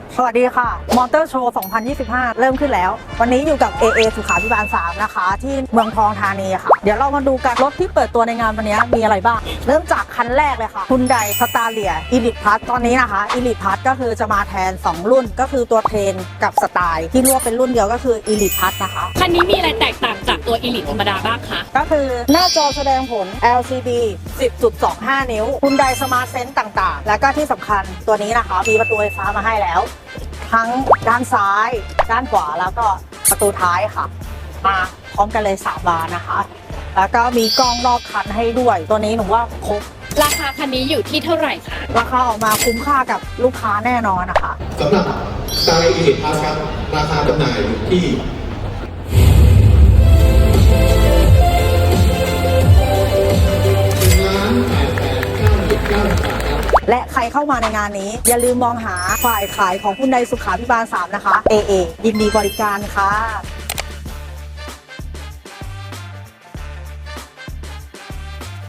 สวัสดีค่ะมอเตอร์โชว์ 2025 เริ่มขึ้นแล้ว วันนี้อยู่กับ AA สุขาภิบาล 3 นะคะ ที่เมืองทองธานีค่ะ เดี๋ยวเรามาดูกันรถที่เปิดตัวในงานวันนี้มีอะไรบ้าง เริ่มจากคันแรกเลยค่ะ Hyundai Staria Elite Plus ตอนนี้นะคะ Elite Plus ก็คือจะมาแทน 2 รุ่นก็คือตัวเทรนกับสไตล์ที่รวบเป็นรุ่นเดียวก็คือ Elite Plus นะคะคันนี้มีอะไรแตกต่างจากตัว Elite ธรรมดาบ้างคะก็คือหน้าจอแสดงผล LCD 10.25 นิ้ว Hyundai Smart Sense ต่างๆ แล้วก็ที่สำคัญตัวนี้นะคะมีประตูไฟฟ้ามาให้แล้ว ทั้งด้านซ้าย ด้านขวาแล้วก็ประตูท้ายค่ะ มาพร้อมกันเลย3 บานนะคะ แล้วก็มีกล้องรอบคันให้ด้วย ตัวนี้หนูว่าครบราคาคันนี้อยู่ที่เท่าไหร่คะราคาออกมาคุ้มค่ากับลูกค้าแน่นอนนะคะสำหรับสไตล์ Elite Plus ครับราคาจำหน่ายอยู่ที่1,889,900 บาทครับและใครเข้ามาในงานนี้ อย่าลืมมองหาฝ่ายขายของHyundaiสุขาภิบาล 3 นะคะ AA ยินดีบริการค่ะ